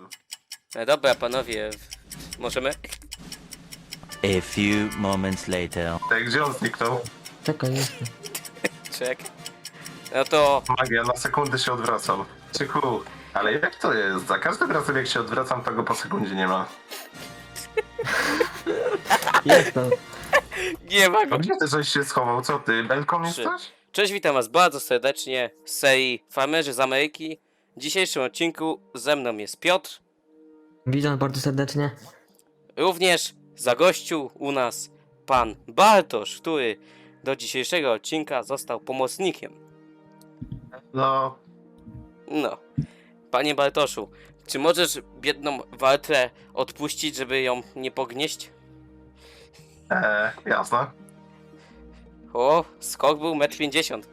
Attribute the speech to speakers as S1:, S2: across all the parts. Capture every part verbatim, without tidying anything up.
S1: miejscu.
S2: E, dobra, panowie, możemy?
S3: A few moments later.
S1: Tak, gdzie on zniknął?
S4: Czekaj, jestem.
S2: Czek. No to...
S1: Magia, na sekundę się odwracam. Czyku, ale jak to jest? Za każdym razem jak się odwracam, to go po sekundzie nie ma.
S4: Jestem.
S2: Nie ma go.
S1: A gdzie ty żeś się schował? Co ty? Belką
S2: Trzy.
S1: jesteś?
S2: Cześć, witam was bardzo serdecznie z serii Farmerzy z Ameryki. W dzisiejszym odcinku ze mną jest Piotr.
S4: Witam bardzo serdecznie.
S2: Również zagościł u nas pan Bartosz, który do dzisiejszego odcinka został pomocnikiem.
S1: No,
S2: No, panie Bartoszu, czy możesz biedną Waltrę odpuścić, żeby ją nie pognieść?
S1: e, jasne.
S2: O, skok był metr pięćdziesiąt.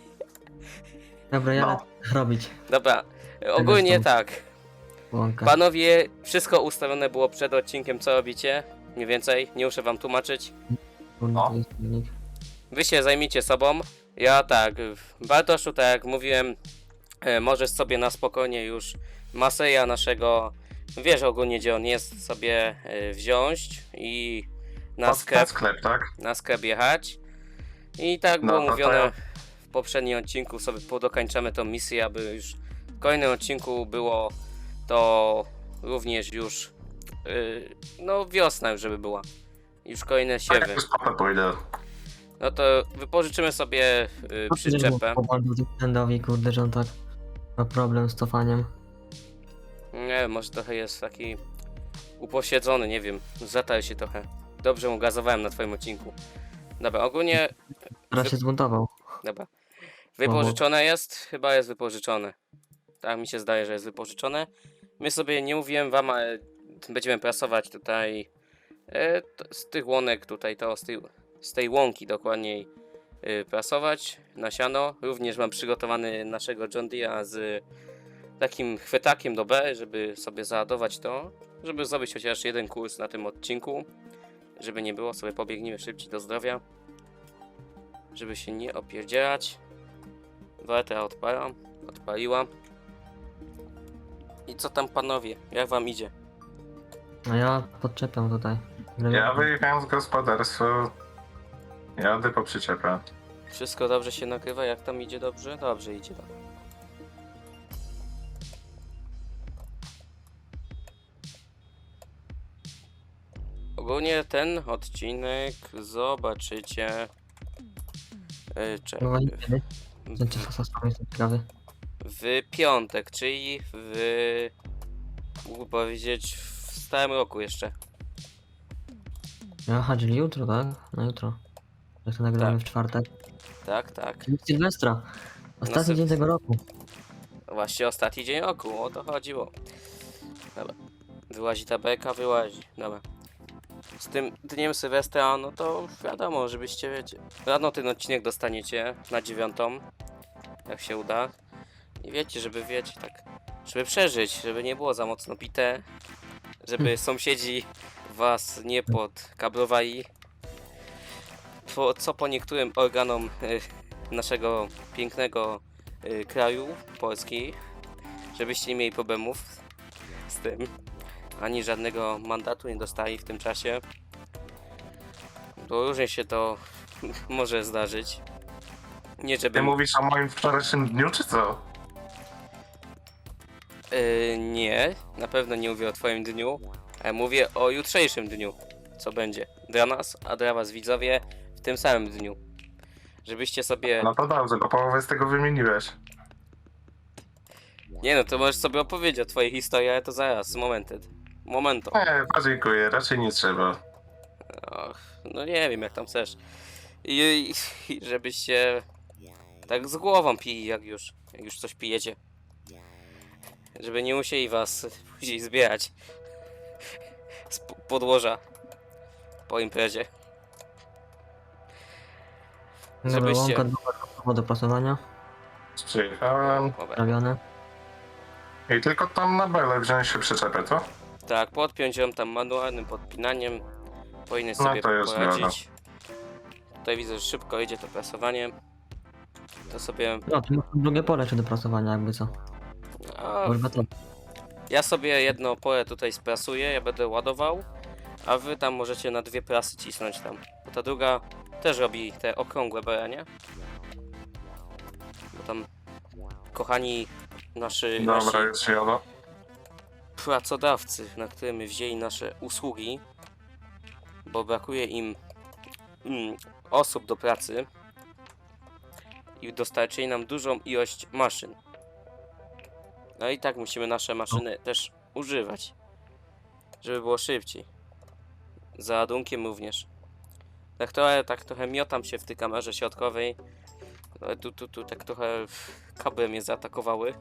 S4: Dobra, ja
S1: No.
S4: lecę robić.
S2: Dobra, ogólnie
S4: stąd.
S2: tak.
S4: Łąka.
S2: Panowie, wszystko ustawione było przed odcinkiem, co robicie? Mniej więcej, nie muszę wam tłumaczyć.
S4: Kurde,
S1: O.
S4: to jest silnik.
S2: Wy się zajmijcie sobą. Ja tak, Bartoszu, tak jak mówiłem, e, możesz sobie na spokojnie już Maseja naszego, wiesz ogólnie gdzie on jest, sobie e, wziąć i na
S1: Pod
S2: sklep,
S1: sklep, tak?
S2: na sklep jechać. I tak
S1: No,
S2: było
S1: to to
S2: mówione
S1: ja-
S2: w poprzednim odcinku, sobie podokańczamy tą misję, aby już w kolejnym odcinku było to również już, yy, no wiosna już żeby była. Już kolejne
S1: Tak,
S2: siewy.
S1: już potem pójdę.
S2: No to wypożyczymy sobie yy, przyczepę.
S4: Endowi, kurde, że on tak ma problem z cofaniem.
S2: Nie wiem, może trochę jest taki uposiedzony, nie wiem. Zatarł się trochę. Dobrze mu gazowałem na twoim odcinku. Dobra, ogólnie,
S4: Teraz się zbuntował.
S2: dobra. Wypożyczone jest? Chyba jest wypożyczone. Tak mi się zdaje, że jest wypożyczone. My sobie, nie mówiłem wam, ale będziemy prasować tutaj e, to, z tych łonek tutaj, to z tej, z tej łąki dokładniej e, prasować na siano. Również mam przygotowany naszego John Deere'a z takim chwytakiem do B, żeby sobie załadować to, żeby zrobić chociaż jeden kurs na tym odcinku, żeby nie było, sobie pobiegnijmy szybciej do zdrowia, żeby się nie opierdzielać. Waltra odpala, odpaliła. I co tam panowie, jak wam idzie?
S4: A ja podczepiam tutaj.
S1: Ja wyjechałem z gospodarstwa. Jadę po przyczepę.
S2: Wszystko dobrze się nagrywa, jak tam idzie dobrze? Dobrze idzie, dobra. Ogólnie ten odcinek zobaczycie yy, czek,
S4: No i kiedy?
S2: w,
S4: Znaczy, sasami jestem ciekawy.
S2: w piątek, czyli w, mógłbym powiedzieć, w stałym roku jeszcze.
S4: Aha, czyli jutro, tak? Na jutro. Jak to nagrywamy
S2: Tak.
S4: w czwartek.
S2: Tak, tak.
S4: Czyli Sylwestra. Ostatni
S2: No,
S4: dzień tego roku.
S2: Właśnie ostatni dzień roku, o to chodziło. Dobra. Wyłazi ta beka, wyłazi. Dobra. Z tym dniem Sylwestra, no to wiadomo, żebyście wiecie. Rano ten odcinek dostaniecie na dziewiątą. Jak się uda. I wiecie, żeby wiecie, tak. Żeby przeżyć, żeby nie było za mocno bite. Żeby
S4: Hmm.
S2: sąsiedzi was nie podkablowali. Po, co po niektórym organom y, naszego pięknego y, kraju, Polski, żebyście nie mieli problemów z tym, ani żadnego mandatu nie dostali w tym czasie. Bo różnie się to może zdarzyć. Nie
S1: Ty
S2: żeby...
S1: mówisz o moim wczorajszym dniu, czy co?
S2: Yy, nie, na pewno nie mówię o twoim dniu, ale mówię o jutrzejszym dniu, co będzie dla nas, a dla was widzowie w tym samym dniu. Żebyście sobie...
S1: No to dobrze, bo połowę z tego wymieniłeś.
S2: Nie no, to możesz sobie opowiedzieć o twojej historii, ale to zaraz, momentet. Momento.
S1: Nie, podziękuję, raczej nie trzeba.
S2: Och, no nie wiem jak tam chcesz. I, i, i żebyście tak z głową pili, jak już, jak już coś pijecie. Żeby nie musieli was później zbierać z po- podłoża po imprezie.
S4: Dobra,
S2: Żebyście-
S4: łąka do, do prasowania.
S1: Przyjechałem.
S2: Dobra.
S4: Robione.
S1: I tylko tam na belę wziąć się przyczepę, co?
S2: Tak, podpiąć ją tam manualnym podpinaniem. Powinien
S1: No
S2: sobie
S1: to jest
S2: poradzić. Tutaj widzę, że szybko idzie to prasowanie. To sobie...
S4: No, tu masz drugie pole jeszcze do prasowania, jakby co.
S2: A,
S4: Kurwa to.
S2: Ja sobie jedno pole tutaj sprasuję, ja będę ładował, a wy tam możecie na dwie prasy cisnąć tam. Bo ta druga też robi te okrągłe bele, nie? Bo tam, kochani, nasi, nasi
S1: Dobra, już jadę.
S2: pracodawcy, na którym wzięli nasze usługi, bo brakuje im mm, osób do pracy i dostarczyli nam dużą ilość maszyn. No i tak musimy nasze maszyny też używać, żeby było szybciej. Za ładunkiem również. Tak trochę, tak trochę miotam się w tej kamerze środkowej. Ale tu, tu, tu tak trochę kable mnie zaatakowały.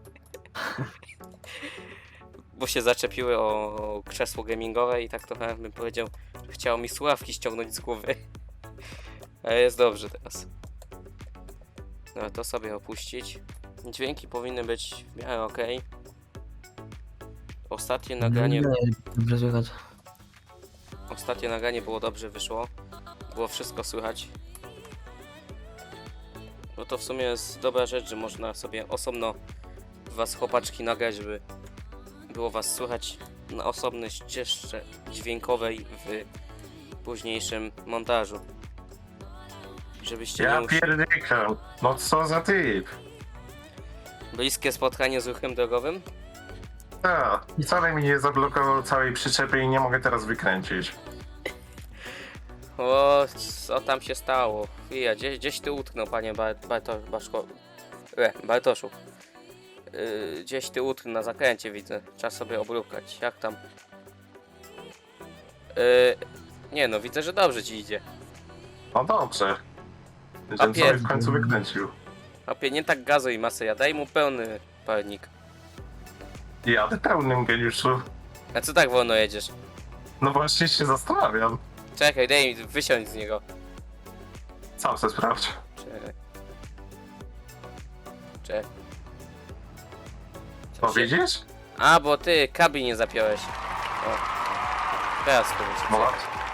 S2: Bo się zaczepiły o krzesło gamingowe i tak trochę bym powiedział, że chciało mi słuchawki ściągnąć z głowy. Ale jest dobrze teraz. No to sobie opuścić. Dźwięki powinny być w miarę ok. Ostatnie nagranie,
S4: Nie, dobrze słychać.
S2: ostatnie nagranie było dobrze, wyszło. Było wszystko słychać. No to w sumie jest dobra rzecz, że można sobie osobno was chłopaczki nagrać, żeby było was słychać na osobnej ścieżce dźwiękowej w późniejszym montażu. Żebyście nie
S1: Ja
S2: mus...
S1: pierdykam. No co za typ?
S2: Bliskie spotkanie z ruchem drogowym?
S1: Tak, wcale mi nie zablokował całej przyczepy i nie mogę teraz wykręcić.
S2: O, co tam się stało? Chwila, gdzieś, gdzieś ty utknął, panie Bar Barto Baszko... E, Bartoszu. Yy, gdzieś ty utknął na zakręcie, widzę. Trzeba sobie obrukać. Jak tam? Yy, nie no, widzę, że dobrze ci idzie.
S1: No dobrze.
S2: A
S1: Żebym sobie
S2: pier-
S1: w końcu wykręcił.
S2: Opie, nie tak gazuj masę, ja daj mu pełny palnik.
S1: Jadę pełnym, geniuszu.
S2: A co tak wolno jedziesz?
S1: No właśnie się zastanawiam.
S2: Czekaj, daj mi wysiąść z niego.
S1: Sam se sprawdź.
S2: Czekaj. Czekaj. Co
S1: To
S2: się-
S1: widzisz?
S2: A, bo ty kabli nie zapiąłeś. O. Teraz powiedz.
S1: No,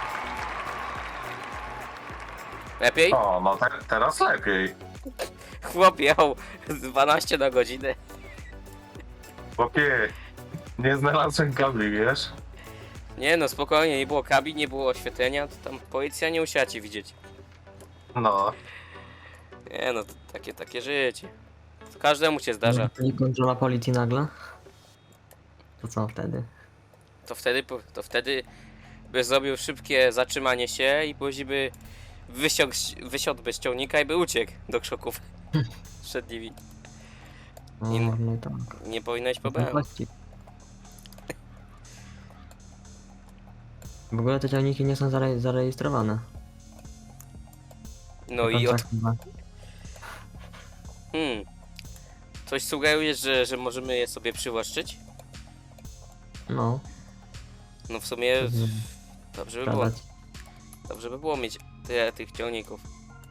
S2: Lepiej?
S1: o, no te, teraz lepiej.
S2: Chłop jechał dwanaście na godzinę.
S1: Chłopie, nie znalazłem kabli, wiesz?
S2: Nie no, spokojnie, nie było kabli, nie było oświetlenia, to tam policja nie musiała cię widzieć.
S1: No,
S2: Nie no, to takie, takie życie. To każdemu się zdarza.
S4: I kontrola policji nagle. To co wtedy?
S2: To wtedy, po- to wtedy by zrobił szybkie zatrzymanie się i później by wysiągł, wysiadł bez ciągnika i by uciekł do krzoków. Przed nimi.
S4: O,
S2: Nie ma.
S4: no i tak.
S2: Nie powinnaś problemu.
S4: Właściwie. W ogóle te ciągniki nie są zare zarejestrowane.
S2: No i od...
S4: Tak chyba.
S2: Hmm. Coś sugerujesz, że, że możemy je sobie przywłaszczyć?
S4: No,
S2: No w sumie
S4: Mhm.
S2: dobrze by było.
S4: sprawdzać.
S2: Dobrze by było mieć tyle tych ciągników.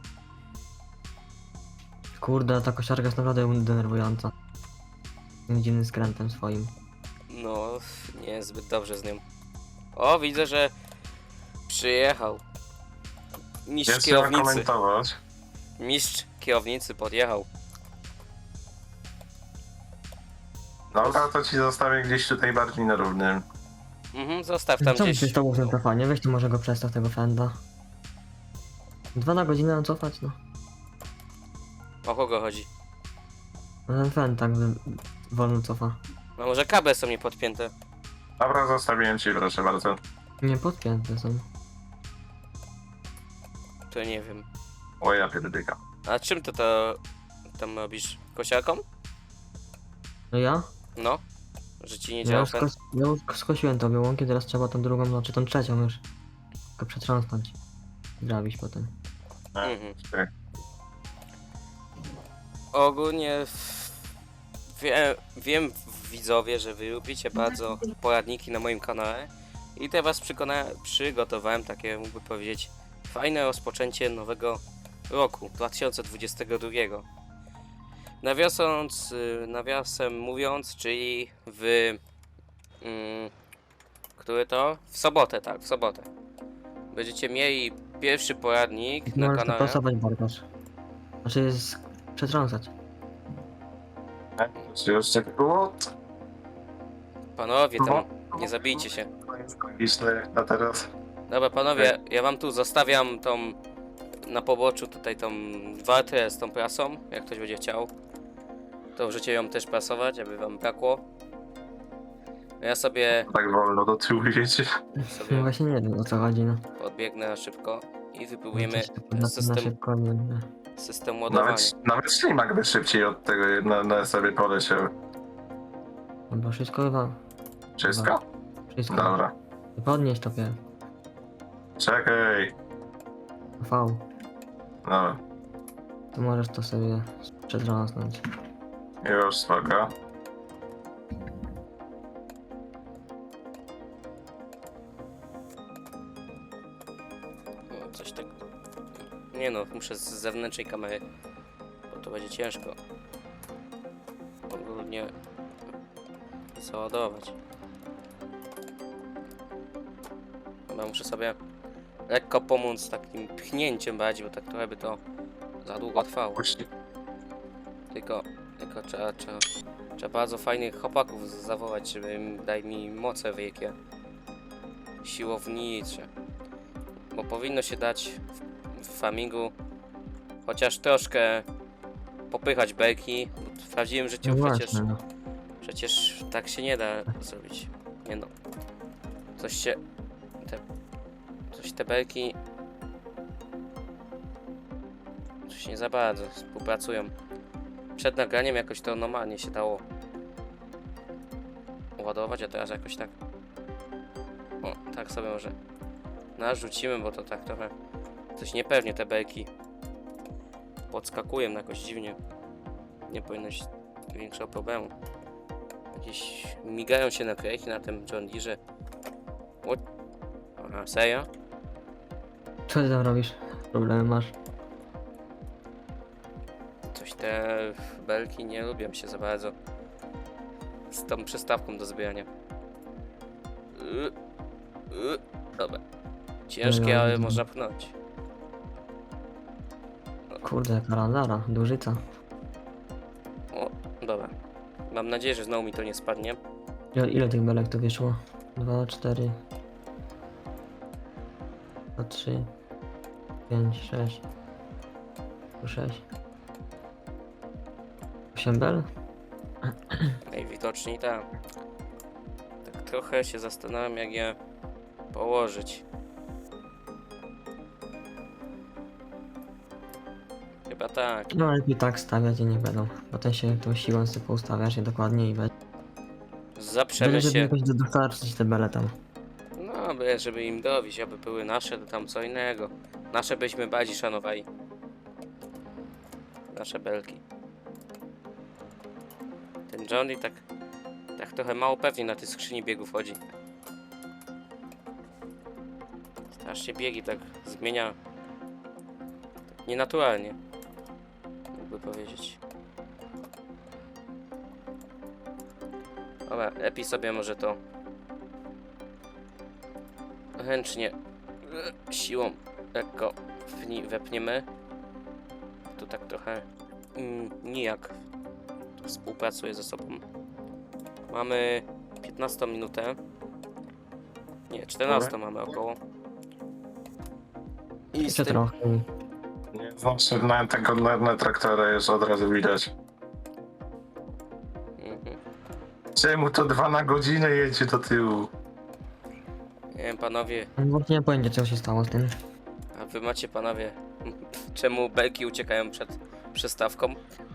S4: Kurde, ta kosiarka jest naprawdę denerwująca. Tym dziwnym skrętem swoim.
S2: No, nie zbyt dobrze z nią. O, widzę, że przyjechał. Mistrz
S1: więc trzeba
S2: kierownicy.
S1: komentować.
S2: Mistrz kierownicy podjechał.
S1: Dobra, to ci zostawię gdzieś tutaj bardziej na równym.
S2: Mhm, zostaw tam
S4: Co mi
S2: gdzieś.
S4: się stało w tym telefonie? Weź tu może go przestaw tego fenda. Dwa na godzinę mam cofać, no.
S2: O kogo chodzi?
S4: No ten fend tak wy- wolno cofa.
S2: No może kable są niepodpięte.
S1: Dobra, zostawiłem ci, proszę bardzo.
S4: Nie podpięte są.
S2: To nie wiem.
S1: O, ja pierdyka.
S2: A czym ty to tam robisz? Kosiarką?
S4: No ja?
S2: No. Że ci nie
S4: Ja
S2: działa
S4: już,
S2: ten...
S4: skos ja już skosiłem tobie łąki, teraz trzeba tą drugą, no czy tą trzecią już. Tylko przetrząsnąć. Grabić potem.
S2: Mhm.
S1: Tak.
S2: Ogólnie w- wie, wiem widzowie, że wy lubicie bardzo poradniki na moim kanale i teraz przykona- przygotowałem takie, mógłby powiedzieć, fajne rozpoczęcie nowego roku dwa tysiące dwudziestego drugiego. Nawiasąc, y, nawiasem mówiąc, czyli w... Mm, który to? W sobotę, tak, w sobotę. Będziecie mieli pierwszy poradnik na
S4: Możesz to
S2: kanale.
S4: pasować, Bartosz. Znaczy jest przetrząsać.
S1: Czy jeszcze było?
S2: Panowie, tam nie zabijcie się.
S1: Źle jak na teraz.
S2: Dobra, panowie, ja wam tu zostawiam tą na poboczu tutaj tą wartę z tą prasą, jak ktoś będzie chciał. To możecie ją też prasować, aby wam brakło. Ja sobie,
S1: Tak wolno do tyłu jedzie.
S4: No
S2: sobie
S4: właśnie nie wiem o co chodzi, no.
S2: podbiegnę na szybko i wypróbujemy
S4: Coś tak na, na
S2: system,
S4: szybko, nie, nie.
S2: system ładowania.
S1: Nawet, nawet ślimak by szybciej od tego na, na sobie poleciał.
S4: No bo wszystko chyba,
S1: Wszystko?
S4: wszystko.
S1: Dobra.
S4: Podnieś to pier.
S1: Czekaj.
S4: V.
S1: Dobra.
S4: To możesz to sobie przedrząsnąć.
S1: Już, spoko.
S2: No, coś tak. Nie no, muszę z zewnętrznej kamery, bo to będzie ciężko. Ogólnie załadować. Chyba muszę sobie lekko pomóc takim pchnięciem bardziej, bo tak trochę by to za długo trwało.
S1: Puści.
S2: Tylko, tylko trzeba, trzeba, trzeba bardzo fajnych chłopaków zawołać, żeby im dali mi moce wielkie. Siłownicze. Bo powinno się dać w, w farmingu chociaż troszkę popychać belki. Bo w prawdziwym życiu
S4: No
S2: przecież,
S4: właśnie, no.
S2: przecież tak się nie da zrobić. Nie no. Coś się... Te, coś te belki... Coś nie za bardzo współpracują. Przed nagraniem jakoś to normalnie się dało ładować, a teraz jakoś tak... O, tak sobie może narzucimy, bo to tak trochę coś niepewnie te belki podskakują jakoś dziwnie. Nie powinno być większego problemu. Jakieś migają się naklejki na tym John Deere. O... Aha, serio?
S4: Co ty tam robisz? Problemy masz?
S2: Coś te belki nie lubią się za bardzo z tą przystawką do zbierania. Y, y, Dobra. Ciężkie, ale można pchnąć.
S4: Kurde, jaka randara, dużyca.
S2: O, dobra. Mam nadzieję, że znowu mi to nie spadnie.
S4: Ile, ile tych belek to wyszło? Dwa, cztery. Dwa, trzy. Pięć, sześć. Sześć. Osiem bel?
S2: Najwidoczniej tak. Tak trochę się zastanawiam, jak je położyć. Chyba tak.
S4: No lepiej tak stawiać i nie będą. Potem się tą siłą sobie poustawiasz je dokładnie i weź.
S2: Zaprzemy
S4: Żeby
S2: się.
S4: jakoś do- dostarczyć te bele tam.
S2: No, by- żeby im dowieść, aby były nasze, to tam co innego. Nasze byśmy bardziej szanowali. Nasze belki. Ten Johnny tak, tak trochę mało pewnie na tej skrzyni biegów chodzi. Strasznie biegi tak zmienia. Tak nienaturalnie. Jakby powiedzieć. Dobra, lepiej sobie może to ręcznie e, siłą lekko wni- wepniemy. To tak trochę mm, nijak to współpracuje ze sobą. Mamy piętnastą minutę. Nie, czternastą mamy około. I z
S4: Jeszcze
S2: tym,
S4: trochę.
S1: Nie znaczy na tego na, na traktora już od razu widać.
S2: mhm.
S1: Czemu to dwa na godzinę jedzie do tyłu?
S2: Nie wiem, panowie,
S4: Właśnie nie pojęcie co się stało z tym.
S2: a wy macie, panowie, czemu belki uciekają przed przystawką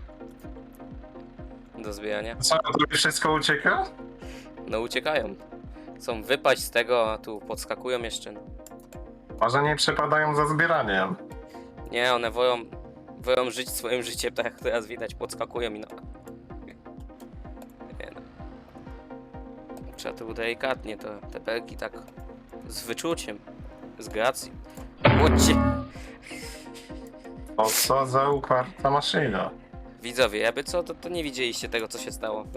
S2: do zbierania?
S1: Co, to wszystko ucieka?
S2: No uciekają. Chcą wypaść z tego, a tu podskakują jeszcze.
S1: Może nie przepadają za zbieraniem.
S2: Nie, one wolą, wolą żyć swoim życiem, tak jak teraz widać, podskakują i no. Nie no. Trzeba to delikatnie, to te belki tak z wyczuciem, z gracją. Łodźcie!
S1: O co za uparta maszyna.
S2: Widzowie, jakby co, to, to nie widzieliście tego, co się stało.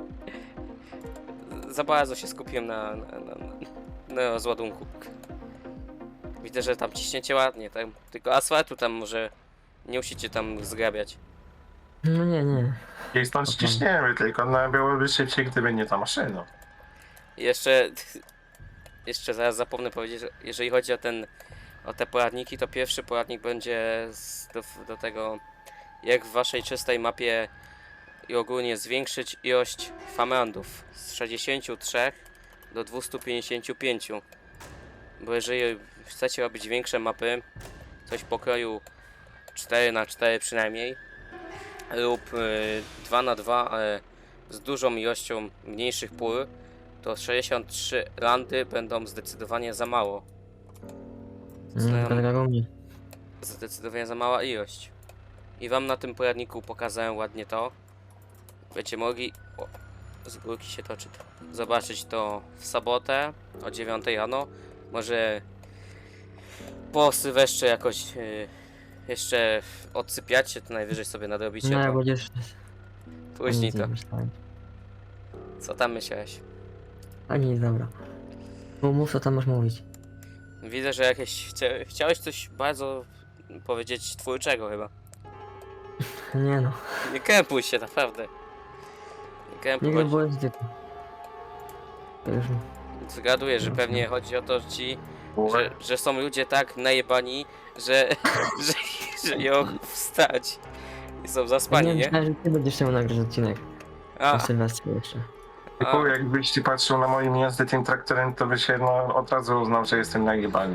S2: Za bardzo się skupiłem na, na, na, na rozładunku. Widzę, że tam ciśniecie ładnie, tak? Tylko asfaltu tam może nie musicie tam zgrabiać.
S4: No nie, nie.
S1: I stąd ściśniemy, tylko no, byłoby szybciej, gdyby nie ta maszyna.
S2: Jeszcze, jeszcze zaraz zapomnę powiedzieć, że jeżeli chodzi o ten, o te poradniki, to pierwszy poradnik będzie z, do, do tego, jak w waszej czystej mapie i ogólnie zwiększyć ilość farmlandów z sześćdziesięciu trzech do dwustu pięćdziesięciu pięciu. Bo jeżeli chcecie robić większe mapy, coś pokroju cztery na cztery przynajmniej, lub y, dwa na dwa, ale z dużą ilością mniejszych pól, to sześćdziesiąt trzy landy będą zdecydowanie za mało.
S4: Mm, tak jak u mnie.
S2: Zdecydowanie za mała ilość. I wam na tym poradniku pokazałem ładnie to. Będziecie mogli, o, z górki się toczy, zobaczyć to w sobotę o dziewiątej rano. Może po Sylwestrze jakoś y, jeszcze odsypiacie, to najwyżej sobie nadrobicie
S4: No jak
S2: to.
S4: będziesz...
S2: Później
S4: nic nie
S2: to.
S4: myślałem.
S2: Co tam myślałeś?
S4: A nic, dobra. Mów, mów, co tam masz mówić.
S2: Widzę, że jakieś chcia, chciałeś coś bardzo powiedzieć twórczego chyba.
S4: Nie no,
S2: Nie krępuj się, naprawdę. Nie krępuj,
S4: nigdy
S2: chodzi,
S4: byłem z dzieckiem. To już...
S2: zgaduję, że pewnie chodzi o to, że ci, że, że są ludzie tak najebani, że, że, że nie mogą wstać. I są zaspani,
S4: Ja nie
S2: nie?
S4: myślałem, że ty będziesz chciał nagrać odcinek.
S2: A,
S4: O Sylwestrze jeszcze.
S1: Tylko
S2: a,
S1: jakbyś ci patrzył na moim jazdy tym traktorem, to by się no, od razu uznał, że jestem najebany.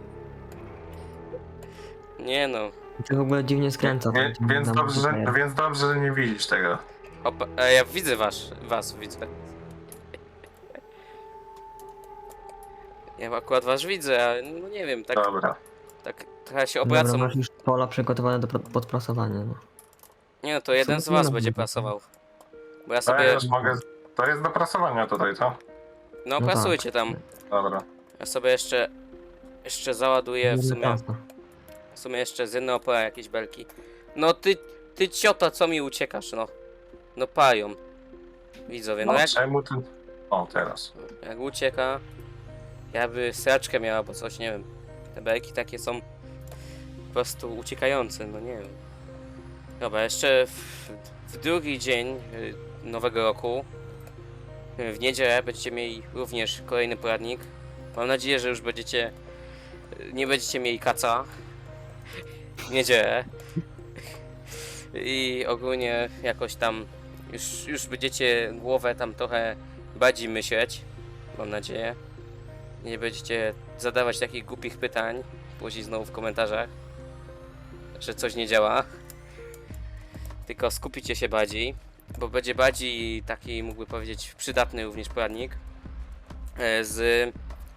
S2: nie no.
S4: I to w ogóle dziwnie skręca.
S1: Wie,
S4: tam,
S1: więc,
S4: na
S1: dobrze, że,
S4: multiplayer.
S1: więc dobrze, że nie widzisz tego.
S2: Opa, a ja widzę was, was widzę. Ja akurat was widzę, a no nie wiem, tak,
S1: Dobra.
S2: tak trochę się
S4: Dobra,
S2: obracam.
S4: masz już pola przygotowane do pro- podprasowania, no.
S2: Nie no, to jeden z
S4: Absolutnie
S2: was
S4: nie
S2: będzie
S4: mam.
S2: prasował. Bo ja
S1: To ja
S2: sobie,
S1: już mogę... To jest do prasowania tutaj, co?
S2: no
S4: No
S2: prasujcie tam.
S1: Dobra.
S2: Ja sobie jeszcze, jeszcze załaduję w
S4: Jedna
S2: sumie,
S4: klasa.
S2: w sumie jeszcze z jednej opora jakieś belki. No ty, ty ciota, co mi uciekasz, no. No pają. Widzowie, no
S1: No
S2: jak,
S1: czemu ty... O, teraz.
S2: jak ucieka, jakby sraczkę miała, bo coś, nie wiem. Te belki takie są po prostu uciekające, no nie wiem. Dobra, jeszcze w, w drugi dzień y, nowego roku, y, w niedzielę będziecie mieli również kolejny poradnik. Mam nadzieję, że już będziecie, y, nie będziecie mieli kaca w niedzielę. I ogólnie jakoś tam już, już będziecie głowę tam trochę bardziej myśleć, mam nadzieję. Nie będziecie zadawać takich głupich pytań później znowu w komentarzach, że coś nie działa. Tylko skupicie się bardziej, bo będzie bardziej taki, mógłby powiedzieć, przydatny również poradnik e, z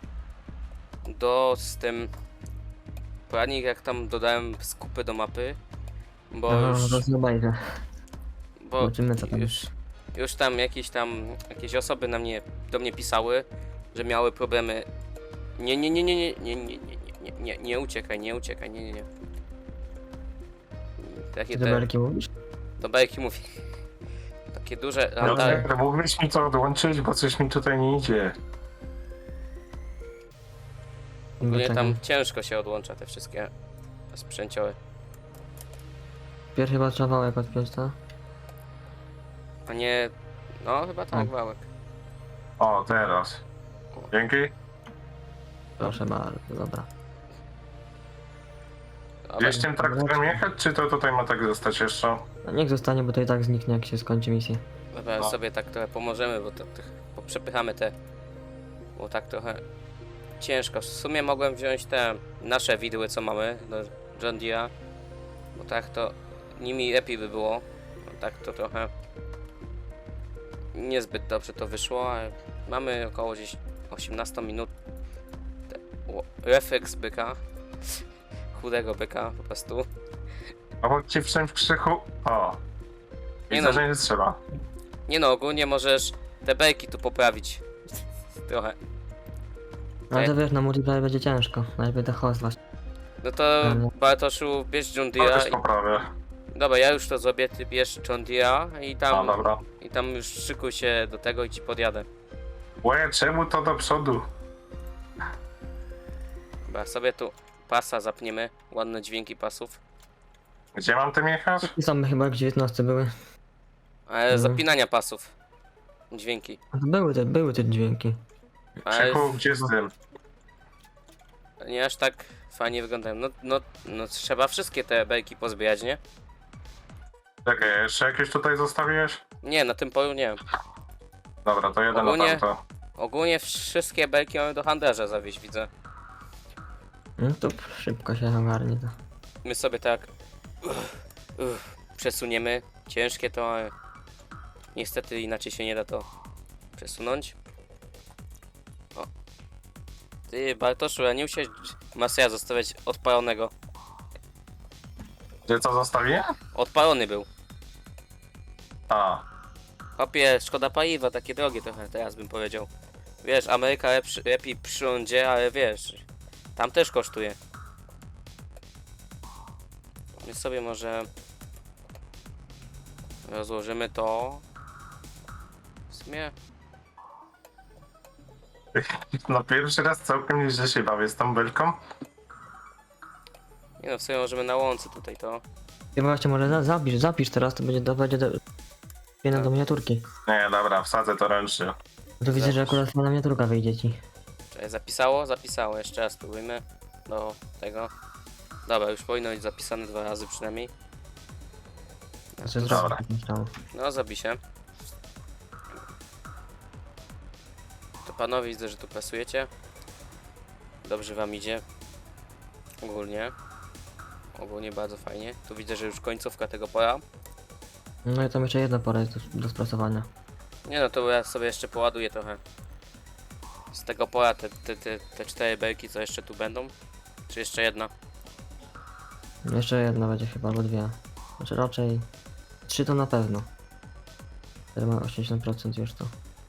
S2: do z tym poradnik, jak tam dodałem skupy do mapy, bo
S4: No,
S2: już,
S4: to zobaczę.
S2: bo
S4: Zobaczymy, co tam
S2: już, już tam jakieś tam jakieś osoby na mnie, do mnie pisały, że miały problemy. Nie, nie, nie, nie, nie, nie, nie, nie, nie, nie, nie uciekaj, nie uciekaj, nie, nie, nie. Takie
S4: Ty do
S2: te,
S4: belki mówisz?
S2: do bajki mówię. Takie duże
S1: No,
S2: randary.
S1: tak, mógłbyś mi to odłączyć, bo coś mi tutaj nie idzie.
S2: Ogólnie
S4: Czekaj.
S2: tam ciężko się odłącza te wszystkie sprzęcioły.
S4: Pierw chyba trzeba wałek odpiąć, to?
S2: A nie... No chyba tak,
S4: O.
S2: wałek.
S1: O, teraz. Dzięki.
S4: Proszę bardzo, dobra.
S2: Dobra,
S1: Gdzieś tym traktorem jechać, czy to tutaj ma tak zostać jeszcze?
S4: No niech zostanie, bo to i tak zniknie, jak się skończy misja.
S2: dobra
S1: No.
S2: sobie tak trochę pomożemy, bo to, to bo przepychamy te... Bo tak trochę ciężko. W sumie mogłem wziąć te nasze widły, co mamy do John Deere'a. Bo tak to nimi lepiej by było. No tak to trochę niezbyt dobrze to wyszło, ale mamy około gdzieś osiemnaście minut. Te- o, refleks byka. Chudego byka po prostu.
S1: Obok ci wszędzie w krzyku. O.
S2: Nie
S1: Widzę,
S2: no.
S1: że nie trzeba.
S2: Nie no, ogólnie możesz te belki tu poprawić. Trochę.
S4: Ale
S2: Tak.
S4: to wiesz, na multiplayer będzie ciężko. Najlepiej te host właśnie.
S2: No to
S4: Mhm.
S2: Bartoszu, bierz John
S1: To też
S2: Deere'a.
S1: poprawię.
S2: i- Dobra, ja już to zrobię, ty bierz John Deere'a i
S1: O,
S2: tam,
S1: dobra.
S2: i tam już szykuj się do tego i ci podjadę.
S1: Łe, czemu to do przodu?
S2: Dobra, sobie tu pasa zapniemy. Ładne dźwięki pasów.
S1: Gdzie mam tym jechać?
S4: I są chyba jak dziewiętnaście były.
S2: Ale
S4: Mhm.
S2: zapinania pasów. dźwięki.
S4: Były te, były te dźwięki.
S2: Ale
S1: Krzyku, gdzie z tym?
S2: nie aż tak fajnie wyglądają. No, no, no trzeba wszystkie te belki pozbierać, nie?
S1: Czekaj, jeszcze jakieś tutaj zostawiłeś?
S2: Nie, na tym polu nie.
S1: Dobra, to jeden
S2: Ogólnie-
S1: na tamto.
S2: Ogólnie wszystkie belki mamy do handlarza zawieźć, widzę.
S4: No to szybko się ogarnie to.
S2: My sobie tak uff, uff, przesuniemy. Ciężkie to, ale niestety inaczej się nie da to przesunąć. O. Ty, Bartoszu, a nie musiałeś Maseja zostawiać odpalonego.
S1: Gdzie co zostawiłem?
S2: Odpalony był.
S1: A,
S2: Hopie, szkoda paliwa, takie drogie trochę teraz bym powiedział. Wiesz, Ameryka lepszy, lepiej przy rządzie, ale wiesz, tam też kosztuje. My sobie może rozłożymy to. W sumie,
S1: no pierwszy raz całkiem nieźle się bawię z tą belką.
S2: nie no, w sumie możemy na łące tutaj to.
S4: I właśnie może za, zapisz, zapisz teraz, to będzie, to będzie do, jedna
S2: Tak.
S4: do miniaturki.
S1: Nie, dobra, wsadzę to ręcznie.
S4: To widzę, że
S2: Zapisz.
S4: akurat fajna miniaturka wyjdzie ci.
S2: Czekaj, zapisało? Zapisało, jeszcze raz spróbujmy do tego. Dobra, już powinno być zapisane dwa razy przynajmniej.
S4: To się
S1: Dobra.
S4: zrobi, myślałem.
S2: No, zapiszę. To panowie, widzę, że tu pasujecie. Dobrze wam idzie. Ogólnie. Ogólnie bardzo fajnie. Tu widzę, że już końcówka tego pola.
S4: No i tam jeszcze jedna pora jest do, do sprasowania.
S2: Nie no, to ja sobie jeszcze poładuję trochę. Z tego pola te, te, te, te cztery belki, co jeszcze tu będą. Czy jeszcze jedna?
S4: Jeszcze jedna będzie chyba, albo dwie. Znaczy raczej trzy to na pewno. Teraz ma osiemdziesiąt procent już to.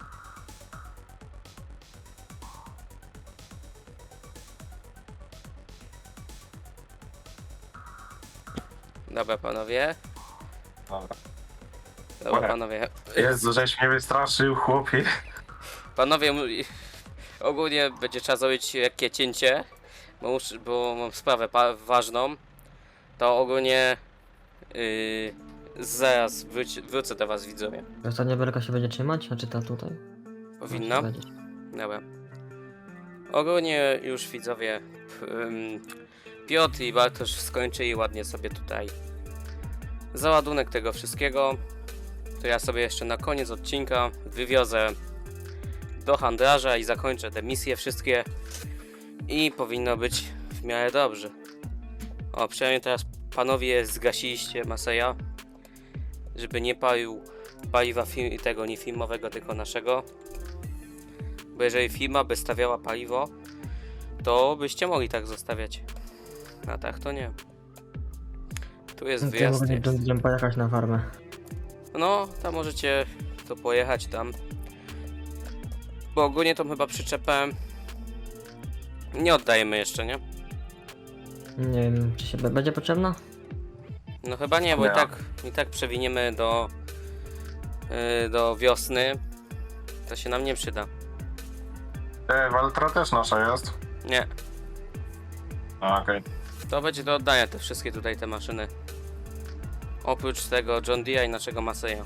S2: Dobra, panowie.
S1: Dobra.
S2: Dobra,
S1: Dobra.
S2: panowie.
S1: Jezu, żeś mnie wystraszył, chłopie.
S2: Panowie, m- ogólnie będzie trzeba zrobić lekkie cięcie, bo, muszę, bo mam sprawę pa- ważną. To ogólnie yy, zaraz wróci, wrócę do was, widzowie.
S4: Ostatnia belka się będzie trzymać, a czy ta tutaj?
S2: Powinna?
S4: Będzie.
S2: Dobra. Ogólnie już widzowie, ym, Piotr i Bartosz skończyli ładnie sobie tutaj załadunek tego wszystkiego. To ja sobie jeszcze na koniec odcinka wywiozę do handlarza i zakończę te misje wszystkie i powinno być w miarę dobrze. O, przynajmniej teraz panowie zgasiliście Maseja, żeby nie palił paliwa fi- tego nie filmowego, tylko naszego. Bo jeżeli firma by stawiała paliwo, to byście mogli tak zostawiać. A tak to nie. Tu jest
S4: No to ja
S2: wyjazd.
S4: mogę
S2: Jest.
S4: będziemy pojechać na farmę.
S2: No, tam możecie to pojechać tam. Bo ogólnie tą chyba przyczepę nie oddajemy jeszcze, nie?
S4: Nie wiem, czy się b- będzie potrzebna?
S2: No chyba nie, bo
S1: Nie.
S2: i tak, i tak przewiniemy do yy, do wiosny. To się nam nie przyda.
S1: E, Waltra też nasza jest.
S2: Nie.
S1: A, okej.
S2: To będzie do oddania te wszystkie tutaj te maszyny. Oprócz tego John Deere i naszego Maseja.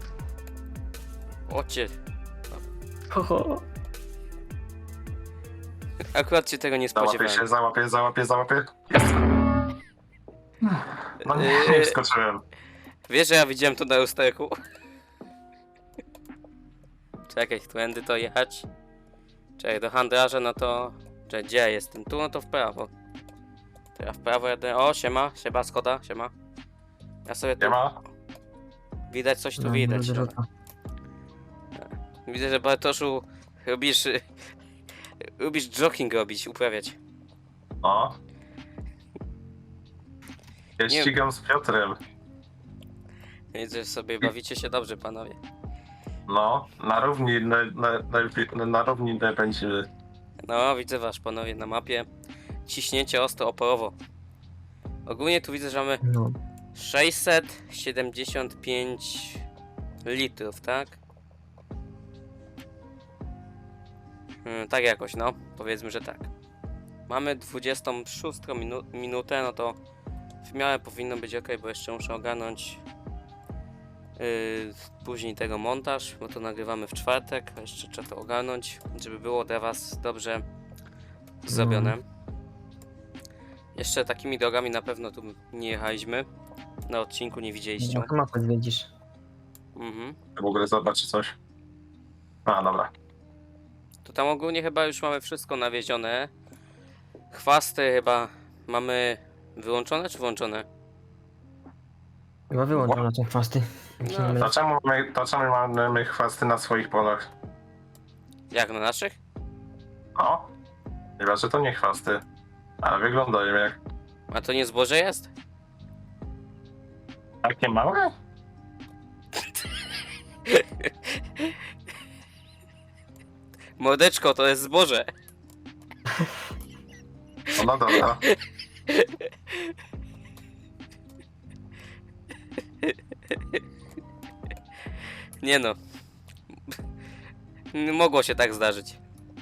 S2: Ocie,
S4: Ho, ho.
S2: akurat się tego nie
S1: Załapie
S2: spodziewałem.
S1: się, załapie, załapie, załapie. Jest. No nie,
S2: Yy.
S1: nie wskoczyłem.
S2: Wiesz, że ja widziałem to na lusterku? Czekaj, tędy to jechać. Czekaj, do handlarza, no to... Czekaj, gdzie ja jestem? Tu, no to w prawo. To ja w prawo jadę. O, siema, siema, Skoda, siema. Ja sobie tu...
S1: Nie ma?
S2: Widać coś tu
S4: No,
S2: widać.
S4: będzie
S2: Dobra.
S4: rzuca.
S2: Widzę, że Bartoszu lubisz... y, lubisz jogging robić, uprawiać.
S1: O. Ja
S2: Nie-
S1: ścigam z Piotrem.
S2: Widzę, że sobie bawicie się dobrze, panowie.
S1: No, na równi, na, na, na, na równi nie będziemy.
S2: No, widzę was, panowie, na mapie. Ciśnięcie ostro oporowo. Ogólnie tu widzę, że mamy
S4: No.
S2: sześćset siedemdziesiąt pięć litrów, tak? Hmm, tak jakoś, no. Powiedzmy, że tak. Mamy dwudziestą szóstą minu minutę, no to w miarę powinno być ok, bo jeszcze muszę ogarnąć Yy, później tego montaż, bo to nagrywamy w czwartek, a jeszcze trzeba to ogarnąć, żeby było dla was dobrze zrobione. Jeszcze takimi drogami na pewno tu nie jechaliśmy. Na odcinku nie widzieliście.
S4: No, to mapę zwiedzisz.
S2: Mhm.
S1: W ogóle zobaczy coś. A, dobra.
S2: To tam ogólnie chyba już mamy wszystko nawiezione. Chwasty chyba mamy wyłączone czy włączone?
S4: Chyba wyłączone są chwasty. Jak się
S2: No,
S4: nie mylę.
S1: To czemu, my, to czemu mamy chwasty na swoich polach?
S2: Jak na naszych?
S1: O! Chyba, że to nie chwasty. Ale wyglądają jak
S2: A to nie zboże jest?
S1: takie małe?
S2: Mordeczko, to jest zboże.
S1: No, no dobra.
S2: Nie no. Mogło się tak zdarzyć.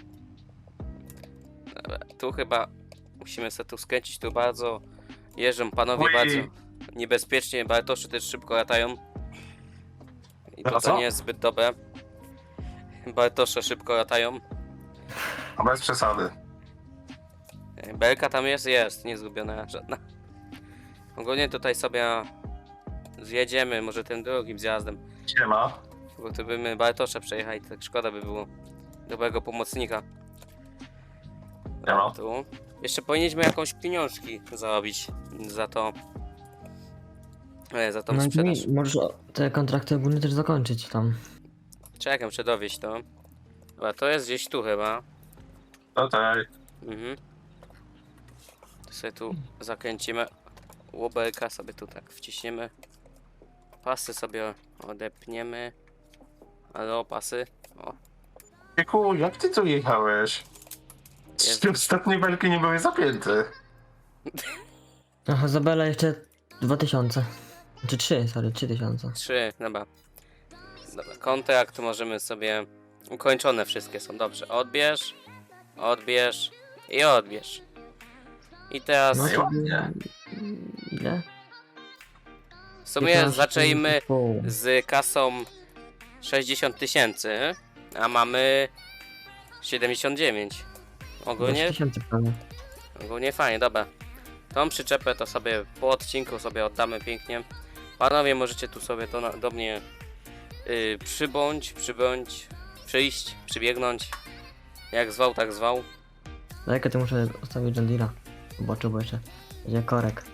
S2: Dobra, tu chyba musimy sobie tu skręcić, tu bardzo jeżdżą panowie
S1: Ui.
S2: bardzo niebezpiecznie, Bartoszy też szybko latają. I to,
S1: A
S2: to
S1: co?
S2: nie jest zbyt dobre. Bartosze szybko latają.
S1: No bez przesady.
S2: Belka tam jest? Jest, nie zgubiona żadna. Ogólnie tutaj sobie zjedziemy, może tym drugim zjazdem.
S1: Siema.
S2: Bo to by my Bartosza przejechali, tak szkoda by było dobrego pomocnika.
S1: Nie ma.
S2: Tu. Jeszcze powinniśmy jakąś pieniążki zarobić za to. E, za tą
S4: No i
S2: sprzedaż.
S4: mi- możesz o- te kontrakty ogólnie też zakończyć tam.
S2: Czekam, muszę dowieść to. Dobra, to jest gdzieś tu chyba.
S1: Tutaj.
S2: Mhm. To sobie tu zakręcimy. Łobelka sobie tu tak wciśniemy. Pasy sobie odepniemy. Ale o pasy. O,
S1: Wieku, jak ty tu jechałeś?
S2: Jest.
S1: Czy ostatnie belki nie były zapięte?
S4: Aha, Zabela jeszcze dwa tysiące. Czy trzy, sorry, trzy tysiące.
S2: trzy, dobra. Dobra, kontrakt możemy sobie... Ukończone wszystkie są, dobrze. Odbierz, odbierz i odbierz. I teraz
S4: No
S1: i
S4: to...
S1: ładnie.
S4: Ile?
S2: w sumie
S4: piętnaście
S2: zaczęliśmy
S4: i pół.
S2: z kasą sześćdziesiąt tysięcy, a mamy siedemdziesiąt dziewięć. Ogólnie,
S4: dwadzieścia tysięcy prawie.
S2: ogólnie fajnie, dobra. Tą przyczepę to sobie po odcinku sobie oddamy pięknie. Panowie, możecie tu sobie to na, do mnie yy, przybądź, przybądź, przyjść, przybiegnąć. Jak zwał, tak zwał.
S4: Dajkę to muszę ustawić John Deere'a. Zobaczę, bo jeszcze będzie korek.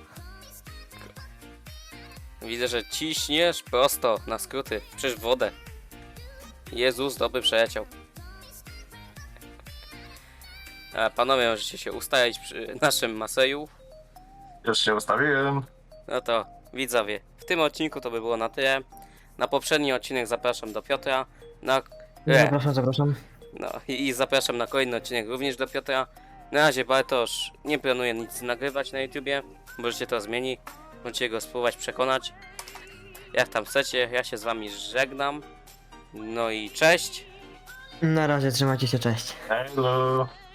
S2: Widzę, że ciśniesz prosto na skróty, przecież wodę. Jezus, dobry przeleciał. A panowie, możecie się ustawić przy naszym Maseju.
S1: Już się ustawiłem.
S2: No to widzowie, w tym odcinku to by było na tyle. Na poprzedni odcinek zapraszam do Piotra. Na... E,
S4: Zapraszam, zapraszam.
S2: no i, i zapraszam na kolejny odcinek również do Piotra. Na razie Bartosz nie planuje nic nagrywać na YouTubie. Możecie to zmienić. Możecie go spróbować przekonać. Jak tam chcecie, ja się z wami żegnam. No i cześć.
S4: Na razie, trzymajcie się, cześć.
S1: Hello.